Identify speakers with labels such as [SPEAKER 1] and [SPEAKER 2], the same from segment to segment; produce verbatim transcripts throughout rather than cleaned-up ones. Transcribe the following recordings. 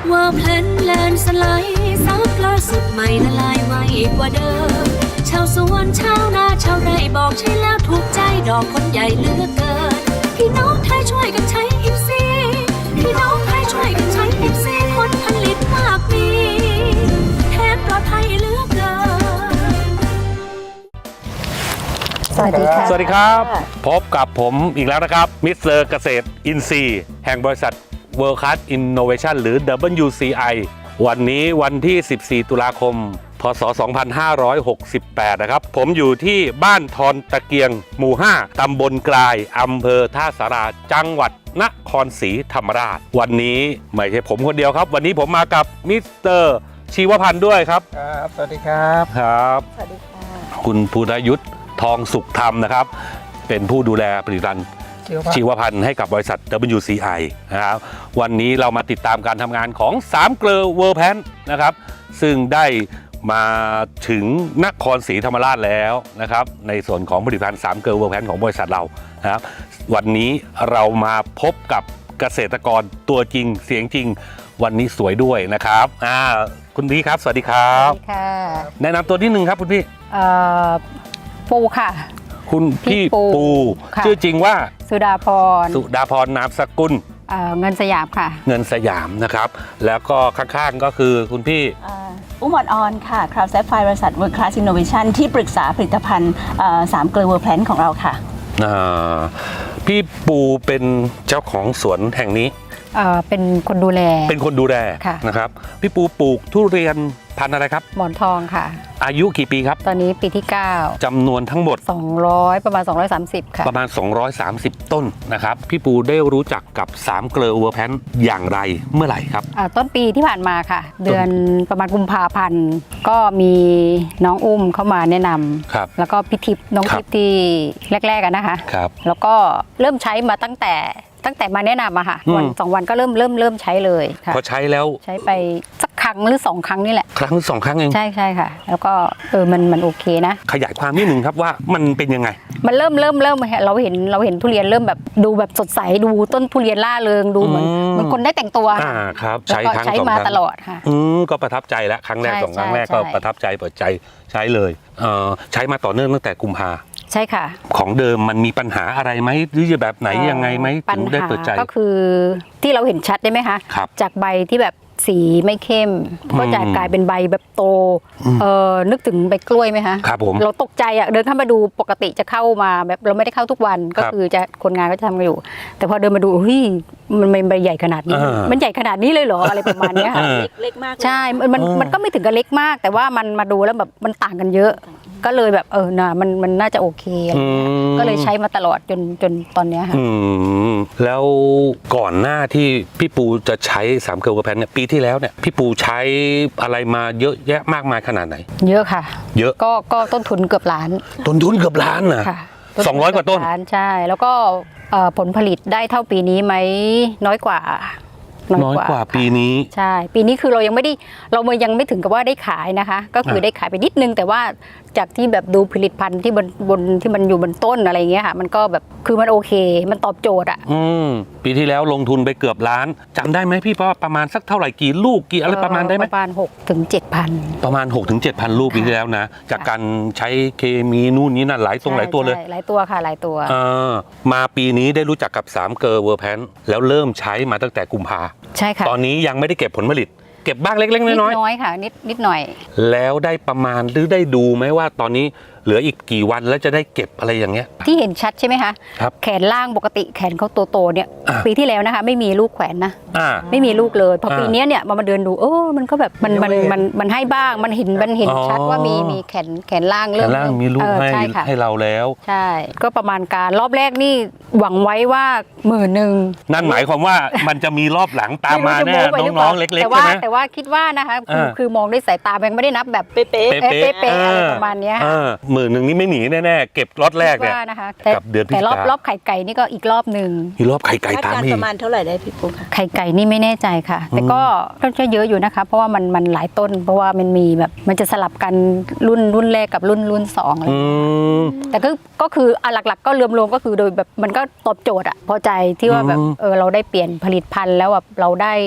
[SPEAKER 1] ว่าเพลนแลนสไลด์ซับล่าสุดใหม่ละลายไวกว่าเดิมชาวสวนชาวนาชาวไร่บอกใช่แล้วถูกใจดอกคนใหญ่เหลือเกินพี่น้องไทยช่วยกันใช้อิฟซีพี่น้องไทยช่วยกันใช้อิฟซีผลผลิตมากมีแทนปลอดภัยเหลือเกิน
[SPEAKER 2] สวัสดีค่ะ
[SPEAKER 3] สวัสดีครับพบกับผมอีกแล้วนะครับมิสเตอร์เกษตรอินทรีย์แห่งบริษัท World Class Innovation หรือ ดับเบิลยู ซี ไอ วันนี้วันที่สิบสี่ตุลาคมพศสองพันห้าร้อยหกสิบแปดนะครับผมอยู่ที่บ้านทอนตะเกียงหมู่ห้าตำบลกลายอำเภอท่าสาราจังหวัดนครศรีธรรมราชวันนี้ไม่ใช่ผมคนเดียวครับวันนี้ผมมากับมิสเตอร์ชีวพันธ์ด้วยครับ
[SPEAKER 2] ครับสวัสดีครับ
[SPEAKER 3] ครับ
[SPEAKER 4] สวัสดีค่ะ
[SPEAKER 3] คุณภูรยุทธ์ทองสุขธรรมนะครับเป็นผู้ดูแลผลิตภัณฑ์ชีวพันธ์ให้กับบริษัท ดับเบิลยู ซี ไอ นะครับวันนี้เรามาติดตามการทำงานของสามเกลอเวิร์แพนนะครับซึ่งได้มาถึงนครศรีธรรมราชแล้วนะครับในส่วนของผลิตภัณฑ์สามเกลอเวิร์แพนของบริษัทเรานะครับวันนี้เรามาพบกับเกษตรกรตัวจริงเสียงจริงวันนี้สวยด้วยนะครับอ่าคุณพี่ครับสวัสดีครับ
[SPEAKER 4] สวัสดีค่ะ
[SPEAKER 3] แนะนำตัวนิดนึงครับคุณพี่
[SPEAKER 4] เอ่อปูค่ะ
[SPEAKER 3] คุณพี่ปูชื่อจริงว่า
[SPEAKER 4] สุดาพร
[SPEAKER 3] สุดาพรนามสกุล
[SPEAKER 4] เอ่อเงินสยามค่ะ
[SPEAKER 3] เงินสยามนะครับแล้วก็ข้างๆก็คือคุณพี่
[SPEAKER 5] อุ้มออนออนค่ะคราวแซฟไฟบริษัท World Class Innovation ที่ปรึกษาผลิตภัณฑ์สามเกลอเวอร์แพลนของเราค่ะ
[SPEAKER 3] พี่ปูเป็นเจ้าของสวนแห่งนี้
[SPEAKER 4] เป็นคนดูแล
[SPEAKER 3] เป็นคนดูแลนะครับพี่ปูปลูกทุเรียนพันธุ์อะไรครับ
[SPEAKER 4] หมอนทองค่ะ
[SPEAKER 3] อายุกี่ปีครับ
[SPEAKER 4] ตอนนี้ปีที่เก้า
[SPEAKER 3] จำนวนทั้งหมด
[SPEAKER 4] สองร้อยประมาณสองร้อยสามสิบค่ะ
[SPEAKER 3] ประมาณสองร้อยสามสิบต้นนะครับพี่ปูได้รู้จักกับสามเกลอเวอร์แพนอย่างไรเมื่อไหร่ครับ
[SPEAKER 4] ต้นปีที่ผ่านมาค่ะเดือนประมาณกุมภาพันธ์ก็มีน้องอุ้มเข้ามาแนะนำแล้วก็พี่ทิพย์น้องทิพย์ที่แรกๆกันนะคะแล้วก็เริ่มใช้มาตั้งแต่ตั้งแต่มาแนะนำอะค่ะวันสองวันก็เริ่มเริ่มเริ่มใช้เลย
[SPEAKER 3] พอใช้แล้ว
[SPEAKER 4] ใช้ไปสักครั้งหรือสองครั้งนี่แหละ
[SPEAKER 3] ครั้งหรือสองครั้งเอง
[SPEAKER 4] ใช่ใช่ค่ะแล้วก็เออมันมันโอเคนะ
[SPEAKER 3] ขยายความนิดนึงครับว่ามันเป็นยังไง
[SPEAKER 4] มันเริ่มเริ่มเริ่มเราเห็นเราเห็นทุเรียนเริ่มแบบดูแบบสดใสดูต้นทุเรียนล่าเริงดูเหมือนเหมือนคนได้แต่งตัว
[SPEAKER 3] อ่าครับใช้ครั้ง
[SPEAKER 4] ใช้มาตลอดค่ะ
[SPEAKER 3] อืมก็ประทับใจแล้วครั้งแรกสองครั้งแรกก็ประทับใจเปิดใจใช้เลยเออใช้มาต่อเนื่องตั้งแต่กุมภา
[SPEAKER 4] ใช่ค่ะ
[SPEAKER 3] ของเดิมมันมีปัญหาอะไรไหมหรือจะแบบไหนยังไงไหมถึงได้เปิดใจ
[SPEAKER 4] ก็คือที่เราเห็นชัดได้ไหมคะจากใบที่แบบสีไม่เข้มก็จะกลายเป็นใบแบบโตเออนึกถึงใบกล้วยไหมคะ
[SPEAKER 3] ครับผม
[SPEAKER 4] เราตกใจอ่ะเดินเข้ามาดูปกติจะเข้ามาแบบเราไม่ได้เข้าทุกวันก็คือจะคนงานก็จะทำกันอยู่แต่พอเดินมาดูเฮ้ยมันเป็นใบใหญ่ขนาดนี้มันใหญ่ขนาดนี้เลยเหรออะไรประมาณนี้ค่ะ
[SPEAKER 5] เล็กมาก
[SPEAKER 4] ใช่มันมันก็ไม่ถึงกับเล็กมากแต่ว่ามันมาดูแล้วแบบมันต่างกันเยอะก็เลยแบบเออน่ะมันมันน่าจะโอเคก็เลยใช้มาตลอดจนจนตอนนี้ค่ะ
[SPEAKER 3] แล้วก่อนหน้าที่พี่ปูจะใช้สามเกลอเวอร์แพนเนี่ยปีที่แล้วเนี่ยพี่ปูใช้อะไรมาเยอะแยะมากมายขนาดไหน
[SPEAKER 4] เยอะค่ะ
[SPEAKER 3] เยอะ
[SPEAKER 4] ก็ก็ต้นทุนเกือบล้าน
[SPEAKER 3] ต้นทุนเกือบล้านนะสองร้อยกว่าต้น
[SPEAKER 4] ใช่แล้วก็ผลผลิตได้เท่าปีนี้ไหมน้อยกว่า
[SPEAKER 3] น้อยกว่าปีนี้
[SPEAKER 4] ใช่ปีนี้คือเรายังไม่ได้เรายังไม่ถึงกับว่าได้ขายนะคะก็คือได้ขายไปนิดนึงแต่ว่าจากที่แบบดูผลิตภัณฑ์ที่บนบนที่มันอยู่บนต้นอะไรเงี้ยค่ะมันก็แบบคือมันโอเคมันตอบโจทย์อ่ะ
[SPEAKER 3] อืมปีที่แล้วลงทุนไปเกือบล้านจำได้ไหมพี่ว่าประมาณสักเท่าไหร่กี่ลูกกี่อะไรประมาณได้ไหม
[SPEAKER 4] ประมาณหกถึงเจ็ดพัน
[SPEAKER 3] ประมาณหกถึงเจ็ดพันลูกปีที่แล้วนะจากการใช้เคมีนู่นนี่นั่นหลายตรงหลายตัวเลย
[SPEAKER 4] หลายตัวค่ะหลายตัว
[SPEAKER 3] เออมาปีนี้ได้รู้จักกับสามเกลอเวอร์แพนแล้วเริ่มใช้มาตั้งแต่กุมภา
[SPEAKER 4] ใช่ค่ะ
[SPEAKER 3] ตอนนี้ยังไม่ได้เก็บผลผลิตเก็บบ้างเล็กๆน้อยๆ
[SPEAKER 4] นิดน้อยค่ะนิดนิดหน่อย
[SPEAKER 3] แล้วได้ประมาณหรือได้ดูไหมว่าตอนนี้เหลืออีกกี่วันแล้วจะได้เก็บอะไรอย่างเงี้ย
[SPEAKER 4] ที่เห็นชัดใช่ไหมคะแขนล่างปกติแขนเขาโตๆเนี่ยปีที่แล้วนะคะไม่มีลูกแขวนนะไม่มีลูกเลยพอปีนี้เนี่ยมามาเดินดูเออมันก็แบบมันมันมันมันให้บ้างมันเห็นมันเห็นชัดว่ามีมีแขนแขนล่าง
[SPEAKER 3] เริ่มแขนล่างมีลูกให้ให้เราแล้ว
[SPEAKER 4] ใช่ก็ประมาณการรอบแรกนี่หวังไว้ว่าหมื่นหนึ่ง
[SPEAKER 3] นั่นหมายความว่ามันจะมีรอบหลังตามมาแน่น้องๆเล็กๆใช่ไหม
[SPEAKER 4] แต่ว่าคิดว่านะคะคือคือมองด้วยสายตายังไม่ได้นับแบบเป๊ะเป๊ะเป๊ะอะไรประมาณนี้
[SPEAKER 3] หมื่นหนึ่งนี่ไม่หนีแน่ๆเก็บรอบแรกเนี่ยกับเดือนพฤศจิกายน
[SPEAKER 4] แต่รอบรอบไข่ไก่นี่ก็อีกรอบหนึ่ง
[SPEAKER 3] อีกรอบไข่ไก่ตาม
[SPEAKER 5] อีกประมาณเท่าไหร่ได้พี่ปุ๊กคะ
[SPEAKER 4] ไข่ไก่นี่ไม่แน่ใจค่ะแต่ก็ก็จะเยอะอยู่นะคะเพราะว่ามันมันหลายต้นเพราะว่ามันมีแบบมันจะสลับกันรุ่นรุ่นแรกกับรุ่นรุ่นสองอะไรแต่ก็ก็คือหลักๆก็รวมๆก็คือโดยแบบมันก็ตอบโจทย์อะพอใจที่ว่าแบบเออเราได้เปลี่ยนผลิตภัณฑ์แล้วแบบเราได้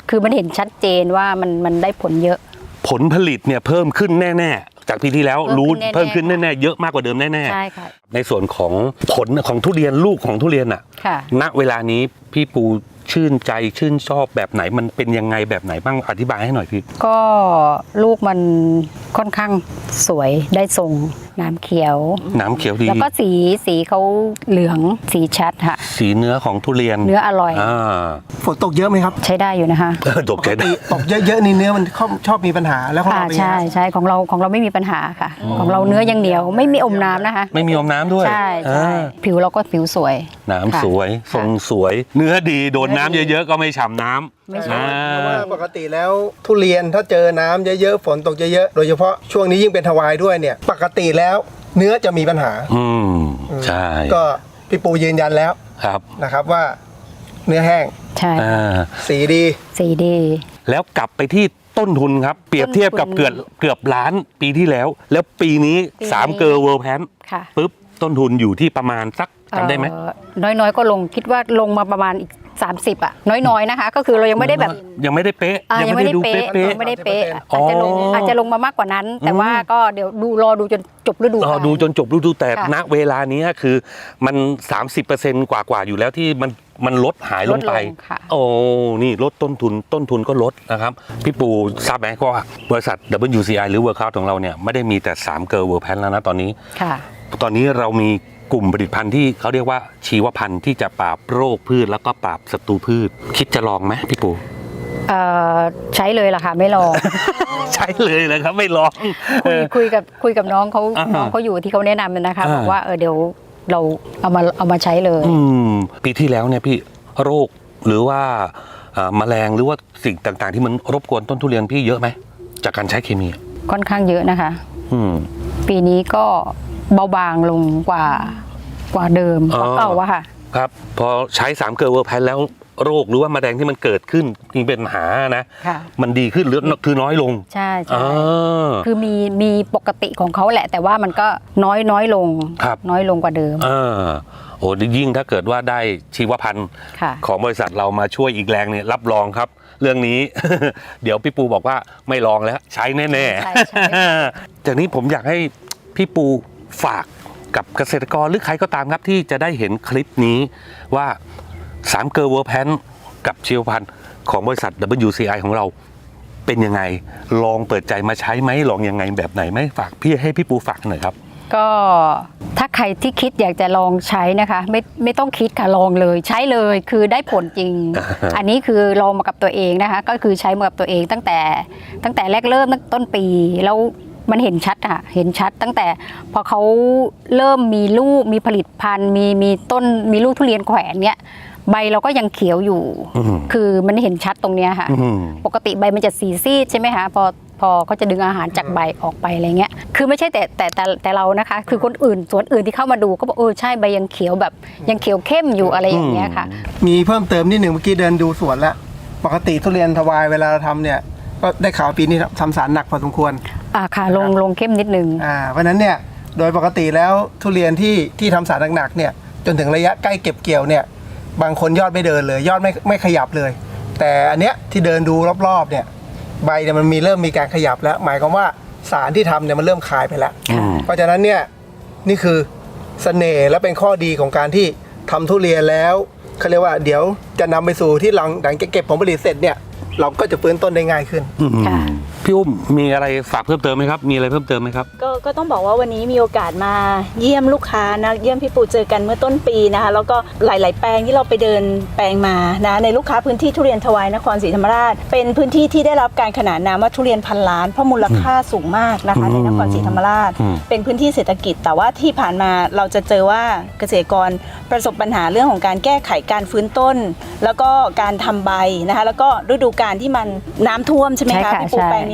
[SPEAKER 4] คือมันเห็นชัดเจนว่ามันมันได้ผลเยอะ
[SPEAKER 3] ผลผลิตเนี่ยเพิ่มขึ้นแน่ๆจากปีที่แล้ว
[SPEAKER 4] เพิ่มขึ้น
[SPEAKER 3] รู้
[SPEAKER 4] แน่ๆ
[SPEAKER 3] เพิ่มขึ้นแน่ๆเยอะมากกว่าเดิมแน่
[SPEAKER 4] ใช่ค่ะ
[SPEAKER 3] ๆในส่วนของผลของทุเรียนลูกของทุเรียนอะ
[SPEAKER 4] ค่ะ
[SPEAKER 3] ณเวลานี้พี่ปูชื่นใจชื่นชอบแบบไหนมันเป็นยังไงแบบไหนบ้างอธิบายให้หน่อยพี่
[SPEAKER 4] ก็ลูกมันค่อนข้างสวยได้ทรงน้ำเขียว
[SPEAKER 3] น้ำเขียวดี
[SPEAKER 4] แล้วก็สีสีเขาเหลืองสีชัดค่ะ
[SPEAKER 3] สีเนื้อของทุเรียน
[SPEAKER 4] เนื้ออร่อย
[SPEAKER 3] อ่า
[SPEAKER 2] ฝนตกเยอะไหมครับ
[SPEAKER 4] ใช้ได้อยู่นะคะ
[SPEAKER 3] ตกใจได้
[SPEAKER 2] ตกเยอะๆนี่เนื้อมันชอบชอบมีปัญหาแล้วของ
[SPEAKER 4] อ่า
[SPEAKER 2] เราเป็นไง
[SPEAKER 4] ใช่ใช่ของเราของเราไม่มีปัญหาค่ะ ของเราเนื้อยังเหนียวไม่มีอมน้ำนะคะ
[SPEAKER 3] ไม่มีอมน้ำด้วย
[SPEAKER 4] ใช่ใช่
[SPEAKER 3] อ่า
[SPEAKER 4] ผิวเราก็ผิวสวย
[SPEAKER 3] น้ำ
[SPEAKER 4] ค่ะ
[SPEAKER 3] สวยทรงสวย เนื้อดีโดนน้ำ
[SPEAKER 4] เนื้อดี
[SPEAKER 3] เยอะๆก็ไม่ฉ่ำน้ำ
[SPEAKER 4] ไม่ฉ่ำ
[SPEAKER 3] อ่
[SPEAKER 2] เพราะว่า
[SPEAKER 3] า
[SPEAKER 2] ปกติแล้วทุเรียนถ้าเจอน้ำเยอะๆฝนตกเยอะๆโดยเฉพาะช่วงนี้ยิ่งเป็นทวายด้วยเนี่ยปกติแล้วเนื้อจะมีปัญหา
[SPEAKER 3] อืมใช่
[SPEAKER 2] ก็พี่ปูยืนยันแล้ว
[SPEAKER 3] ครับ
[SPEAKER 2] นะครับว่าเนื้อแห้ง
[SPEAKER 4] ใช่
[SPEAKER 3] อ่า
[SPEAKER 2] สีดี
[SPEAKER 4] สีดี
[SPEAKER 3] แล้วกลับไปที่ต้นทุนครับ เปรียบเทียบกับ
[SPEAKER 4] ต้นทุน
[SPEAKER 3] เกือบเกือบล้านปีที่แล้ว แล้วปีนี้
[SPEAKER 4] ปีนี้
[SPEAKER 3] สามเกอร์เวิร์แพน
[SPEAKER 4] ค่ะ
[SPEAKER 3] ปุ๊บต้นทุนอยู่ที่ประมาณสักจำได้ไหม
[SPEAKER 4] เอ่อน้อยๆ ก็ลงคิดว่าลงมาประมาณอีกสามสิบอะน้อยๆนะคะ ก็คือเรายังไม่ได้แบบ
[SPEAKER 3] ยังไม่ได้เป๊ะ
[SPEAKER 4] อ่ายังไม่ได้
[SPEAKER 3] ดู
[SPEAKER 4] เป๊ะ
[SPEAKER 3] เป๊ะ
[SPEAKER 4] ยังไม่ได้เป๊ะ
[SPEAKER 3] อ๋อ
[SPEAKER 4] อาจจะลงอาจจะลงมามากกว่านั้น แต่ว่าก็เดี๋ยวดูรอดูจนจบฤดู
[SPEAKER 3] รอก
[SPEAKER 4] าล
[SPEAKER 3] ดูจนจบฤดูแต่
[SPEAKER 4] ค่ะ
[SPEAKER 3] ณเวลานี้คือมัน สามสิบเปอร์เซ็นต์ กว่ากว่าๆอยู่แล้วที่มันมันลดหายลงไป
[SPEAKER 4] ลดลงค่ะ
[SPEAKER 3] โอ้นี่ลดต้นทุนต้นทุนก็ลดนะครับ พี่ปูทราบไหมก็ว่าบริษัท ดับเบิลยู ซี ไอ หรือ Workout ของเราเนี่ยไม่ได้มีแต่สามเกอร์เวิร์แพนแล้วนะตอนนี้
[SPEAKER 4] ค่ะ
[SPEAKER 3] ตอนนี้เรามีกลุ่มผลิตภัณฑ์ที่เขาเรียกว่าชีวพันธุ์ที่จะปราบโรคพืชแล้วก็ปราบศัตรูพืช คิดจะลองไหมพี่ปู
[SPEAKER 4] เอ่อใช้เลยล่ะค่ะไม่รอ
[SPEAKER 3] ใช้เลยเลยครับไม่ลอง
[SPEAKER 4] คุยคุยกับคุยกับน้องเขา
[SPEAKER 3] อ่า
[SPEAKER 4] น้องเขาอยู่ที่เขาแนะนำนะคะ
[SPEAKER 3] อ่า
[SPEAKER 4] บอกว่าเออเดี๋ยวเราเอามาเอามาใช้เลย
[SPEAKER 3] อืมปีที่แล้วเนี่ยพี่โรคหรือว่าอ่าแมลงหรือว่าสิ่งต่างๆ ที่มันรบกวนต้นทุเรียนพี่เยอะไหมจากการใช้เคมี
[SPEAKER 4] ค่อนข้างเยอะนะคะ
[SPEAKER 3] อืม
[SPEAKER 4] ปีนี้ก็เบาบางลงกว่ากว่าเดิม
[SPEAKER 3] อ๋อ
[SPEAKER 4] กว่าเก่าอะค่ะ
[SPEAKER 3] ครับพอใช้สามเกลอเวอร์แพนแล้วโรคหรือว่าแมลงที่มันเกิดขึ้นที่เป็นปัญหานะ
[SPEAKER 4] ค่ะ
[SPEAKER 3] มันดีขึ้นหรือคือน้อยลง
[SPEAKER 4] ใช่ใช่
[SPEAKER 3] อ่า
[SPEAKER 4] คือมีมีปกติของเขาแหละ แต่ว่ามันก็น้อยน้อยลง
[SPEAKER 3] ครับ
[SPEAKER 4] น้อยลงกว่าเดิม
[SPEAKER 3] อ่าโอ้ยิ่งถ้าเกิดว่าได้ชีวพันธุ์
[SPEAKER 4] ค่ะ
[SPEAKER 3] ของบริษัทเรามาช่วยอีกแรงเนี่ยรับรองครับ เรื่องนี้ เดี๋ยวพี่ปูบอกว่าไม่ลองแล้วใช้แน่
[SPEAKER 4] ใช่ใช่
[SPEAKER 3] ๆ จากนี้ผมอยากให้พี่ปูฝากกับเกษตรกรหรือใครก็ตามครับที่จะได้เห็นคลิปนี้ว่าสามเกอร์เวอร์แพนกับชีวพันธุ์ของบริษัท ดับเบิลยู ซี ไอ ของเราเป็นยังไง ลองเปิดใจมาใช้ไหมลองยังไงแบบไหนไหมฝากพี่ให้พี่ปูฝากหน่อยครับ
[SPEAKER 4] ก็ถ้าใครที่คิดอยากจะลองใช้นะคะ ไม่ไม่ต้องคิดค่ะลองเลยใช้เลยคือได้ผลจริง อันนี้คือลองมากับตัวเองนะคะ ก็คือใช้มากับตัวเองตั้งแต่ตั้งแต่แรกเริ่มตั้งต้นปีแล้วมันเห็นชัดค่ะเห็นชัดตั้งแต่พอเขาเริ่มมีลูกมีผลิตพันธุ์มีมีต้นมีลูกทุเรียนแขวนเนี้ยใบเราก็ยังเขียวอยู่
[SPEAKER 3] อืม
[SPEAKER 4] คือมันเห็นชัดตรงเนี้ยค่ะ
[SPEAKER 3] อืม
[SPEAKER 4] ปกติใบมันจะสีซีดใช่ไหมคะพอพอเขาจะดึงอาหารจากใบออกไปอะไรเงี้ยคือไม่ใช่แต่แต่แต่แต่เรานะคะ คือคนอื่นสวนอื่นที่เข้ามาดูก็บอกเออใช่ใบยังเขียวแบบยังเขียวเข้มอยู่อะไรอย่างเงี้ยค่ะ
[SPEAKER 2] มีเพิ่มเติมนิดหนึ่งเมื่อกี้เดินดูสวนแล้วปกติทุเรียนทวายเวลาเราทำเนี่ยก็ได้ข่าวปีนี้ทำสารหนักพอสมควร
[SPEAKER 4] อ่าค่ะลงลงเข้มนิดนึง
[SPEAKER 2] อ่าเพราะฉะนั้นเนี่ยโดยปกติแล้วทุเรียนที่ที่ทำสารหนักๆเนี่ยจนถึงระยะใกล้เก็บเกี่ยวเนี่ยบางคนยอดไม่เดินเลย ยอดไม่ไม่ขยับเลย แต่อันเนี้ยที่เดินดูรอบๆเนี่ยใบเนี่ยมันมีเริ่มมีการขยับแล้ว หมายความว่าสารที่ทำเนี่ยมันเริ่มคลายไปแล้ว
[SPEAKER 3] อืม
[SPEAKER 2] เพราะฉะนั้นเนี่ยนี่คือเสน่ห์และเป็นข้อดีของการที่ทำทุเรียนแล้วเขาเรียกว่าเดี๋ยวจะนำไปสู่ที่หลังหลังเก็บผลผลิตเสร็จเนี่ยเราก็จะฟื้นต้นได้ง่ายขึ้น
[SPEAKER 3] อืม
[SPEAKER 4] ค่ะ
[SPEAKER 3] พี่อุ้มมีอะไรฝากเพิ่มเติมไหมครับมีอะไรเพิ่มเติมไหมครับ
[SPEAKER 5] ก็ก็ต้องบอกว่าวันนี้มีโอกาสมาเยี่ยมลูกค้านะเยี่ยมพี่ปูเจอกันเมื่อต้นปีนะคะแล้วก็หลาย ๆ แปลงที่เราไปเดินแปลงมานะในลูกค้าพื้นที่ทุเรียนทวายนครศรีธรรมราช เป็นพื้นที่ที่ได้รับการขนานนามว่าทุเรียนพันล้านเพราะมูลค่าสูงมากนะคะในนครศรีธรรมราช
[SPEAKER 3] อืม
[SPEAKER 5] เป็นพื้นที่เศรษฐกิจ แต่ว่าที่ผ่านมาเราจะเจอว่าเกษตรกรประสบปัญหาเรื่องของการแก้ไขการฟื้นต้น แล้วก็การทำใบนะคะแล้วก็ฤดูกาลที่มันน้ำท่วมใช่ไหม
[SPEAKER 4] ใช่
[SPEAKER 5] คะ
[SPEAKER 4] ค่ะ
[SPEAKER 5] พี่ปู
[SPEAKER 4] ใช่
[SPEAKER 5] แปลงนี้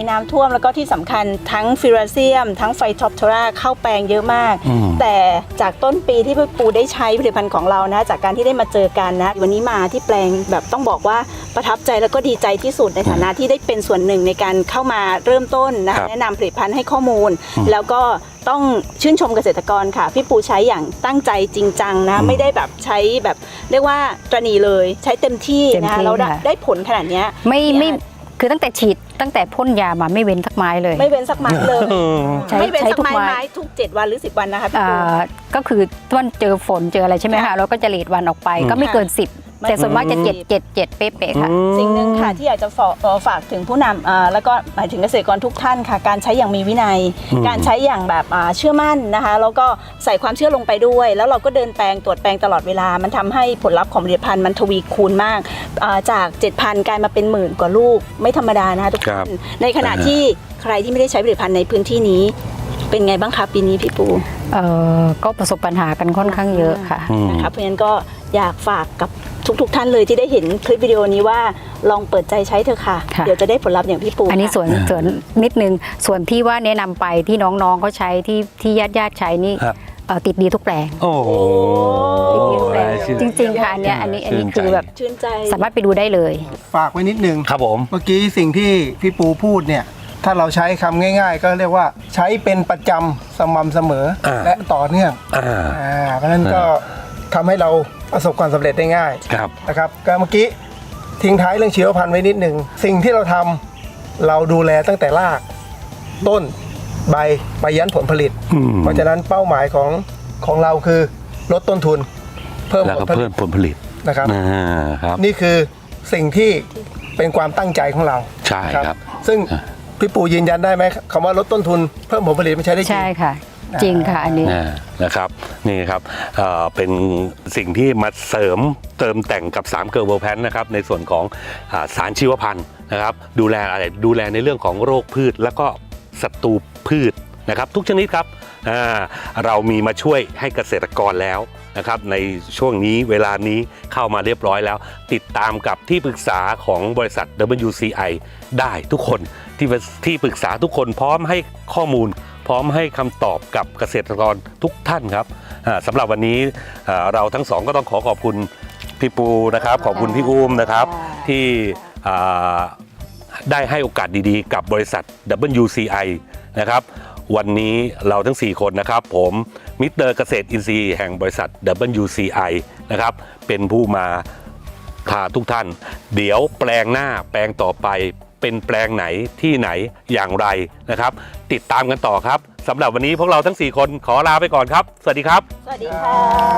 [SPEAKER 5] น้ำท่วมแล้วก็ที่สำคัญทั้งฟิราเซียมทั้งไฟท็อปโทราเข้าแปลงเยอะมาก แต่จากต้นปีที่พี่ปูได้ใช้ผลิตภัณฑ์ของเรานะจากการที่ได้มาเจอกันนะวันนี้มาที่แปลงแบบต้องบอกว่าประทับใจแล้วก็ดีใจที่สุดในฐานะที่ได้เป็นส่วนหนึ่งในการเข้ามาเริ่มต้นนะคะแนะนำผลิตภัณฑ์ให้ข้อมูล แล้วก็ต้องชื่นชมเกษตรกรค่ะพี่ปูใช้อย่างตั้งใจจริงจังนะไม่ได้แบบใช้แบบเรียกว่าตระหนี่เลยใช้เต็มที่นะคะแล้วได้ผลขนาดนี้
[SPEAKER 4] ไม่ไม่คือตั้งแต่ฉีดตั้งแต่พ่นยามาไม่เว้นสักไม้เลย
[SPEAKER 5] ไม่เว้นสักไม้เลย
[SPEAKER 4] ใช้
[SPEAKER 5] ไม่เว้น
[SPEAKER 4] ใช้
[SPEAKER 5] สัก
[SPEAKER 4] ทุก
[SPEAKER 5] ไม้
[SPEAKER 4] ไม้
[SPEAKER 5] ไม้ทุกเจ็ดวันหรือสิบวันนะคะพี่ปู
[SPEAKER 4] อ่าก็คือวันเจอฝนเจออะไรใช่ไหม
[SPEAKER 5] ค่ะ
[SPEAKER 4] คะเราก็จะเลดวันออกไปก็ไม่เกินสิบ
[SPEAKER 5] ไม่
[SPEAKER 4] แต่ส่วนมากจะ
[SPEAKER 5] อืม
[SPEAKER 4] เจ็ดเจ็ดเจ็ดเป๊ะๆค่ะ
[SPEAKER 5] สิ่งหนึ่งค่ะที่อยากจะฝากเอ่อฝากถึงผู้นำอ่าแล้วก็หมายถึงเกษตรกรทุกท่านค่ะ การใช้อย่างมีวินัย การใช้อย่างแบบอ่าเชื่อมั่นนะคะแล้วก็ใส่ความเชื่อลงไปด้วย แล้วเราก็เดินแปลงตรวจแปลงตลอดเวลามันทำให้ผลลัพธ์ของผลิตภัณฑ์มันทวีคูณมากอ่าจาก เจ็ดพัน กลายมาเป็นหมื่นกว่าลูกไม่ธรรมดานะคะทุกท่านในขณะที่ใครที่ไม่ได้ใช้ผลิตภัณฑ์ในพื้นที่นี้ เป็นไงบ้างคะปีนี้พี่ปู
[SPEAKER 4] เอ่อก็ประสบปัญหากันค่อนข้างเยอะค่ะ
[SPEAKER 5] นะคะเพราะฉะนั้นก็อยากฝากกับทุกๆทท่านเลยที่ได้เห็นคลิปวิดีโอนี้ว่าลองเปิดใจใช้เถอะค่ะ
[SPEAKER 4] ค่ะ
[SPEAKER 5] เดี๋ยวจะได้ผลลัพธ์อย่างพี่ปู
[SPEAKER 4] อันนี้
[SPEAKER 5] ค่ะ
[SPEAKER 4] ส่วนส่วนนิดนึงส่วนที่ว่าแนะนำไปที่น้องๆเขาใช้ที่ที่ญาติญาติๆใช้นี่
[SPEAKER 3] ครับ
[SPEAKER 4] เอ่อติดดีทุกแปลง
[SPEAKER 3] โอ้โห
[SPEAKER 4] ติดดีทุกแปลง
[SPEAKER 3] ชื่น
[SPEAKER 4] จริงๆค่ะอันเนี้ยอันนี้อันนี้
[SPEAKER 3] ชื่นใจ
[SPEAKER 4] คือแบบ
[SPEAKER 5] ชื่นใจ
[SPEAKER 4] สามารถไปดูได้เลย
[SPEAKER 2] ฝากไว้นิดนึง
[SPEAKER 3] ครับผม
[SPEAKER 2] เมื่อกี้สิ่งที่พี่ปูพูดเนี่ยถ้าเราใช้คำง่าย ๆ ก็เรียกว่าใช้เป็นประจำสม่ำเสมอ
[SPEAKER 3] อ่า
[SPEAKER 2] และต่อเนื่อง
[SPEAKER 3] อ่า
[SPEAKER 2] อ่าเพราะฉะนั้นก็ทำให้เราประสบความสำเร็จได้ง่าย
[SPEAKER 3] ครับ
[SPEAKER 2] นะครับก็เมื่อกี้ทิ้งท้ายเรื่องชีวพันธุ์ไว้นิดหนึ่งสิ่งที่เราทำเราดูแลตั้งแต่รากต้นใบไปยันผลผลิต
[SPEAKER 3] อืม
[SPEAKER 2] เพราะฉะนั้นเป้าหมายของของเราคือลดต้นทุน เพิ่ม
[SPEAKER 3] แล้ว
[SPEAKER 2] ผ
[SPEAKER 3] ก็
[SPEAKER 2] ลผลิ
[SPEAKER 3] เพิ่
[SPEAKER 2] ต
[SPEAKER 3] มผลผลิต
[SPEAKER 2] นะครับ
[SPEAKER 3] อ่าครับ
[SPEAKER 2] นี่คือสิ่งที่เป็นความตั้งใจของเรา
[SPEAKER 3] ใช่ครับ
[SPEAKER 2] ซึ่ง
[SPEAKER 3] อ่า
[SPEAKER 2] พี่ปู่ยืนยันได้ไหมคำว่าลดต้นทุนเพิ่มผลผลิตไม่ใช่ได้จริง
[SPEAKER 4] ใช่ค่ะ จริงค่ะอันนี้
[SPEAKER 3] อ่านะครับนี่ครับเอ่อเป็นสิ่งที่มาเสริมเติมแต่งกับสามเกอร์เวิร์ลแพนนะครับในส่วนของอาสารชีวพันธุ์นะครับดูแลอะไรดูแลในเรื่องของโรคพืชแล้วก็ศัตรูพืชนะครับทุกชนิดครับอ่าเรามีมาช่วยให้เกษตรกรแล้วนะครับในช่วงนี้เวลานี้เข้ามาเรียบร้อยแล้ว ติดตามกับที่ปรึกษาของบริษัท ดับเบิลยู ซี ไอ ได้ทุกคนที่ที่ปรึกษาทุกคนพร้อมให้ข้อมูล พร้อมให้คำตอบกับเกษตรกรทุกท่านครับอ่าสำหรับวันนี้อ่าเราทั้งสองก็ต้องขอขอบคุณพี่ปูนะครับขอบคุณพี่อุ้มนะครับที่อ่าได้ให้โอกาสดีๆ กับบริษัท ดับเบิลยู ซี ไอ นะครับวันนี้เราทั้งสี่คนนะครับผมมิสเตอร์เกษตรอินทรีย์แห่งบริษัท ดับเบิลยู ซี ไอ นะครับเป็นผู้มาพาทุกท่าน เดี๋ยวแปลงหน้าแปลงต่อไปเป็นแปลงไหนที่ไหนอย่างไรนะครับติดตามกันต่อครับสำหรับวันนี้พวกเราทั้งสี่คนขอลาไปก่อนครับสวัสดีครับ
[SPEAKER 5] สวัสดีค่ะ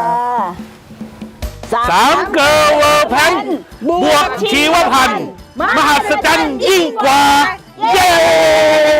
[SPEAKER 3] สามเกอร์เวิร์ลแพนบวกชีวพันธุ์มหัศจรรย์ยิ่งกว่า เย้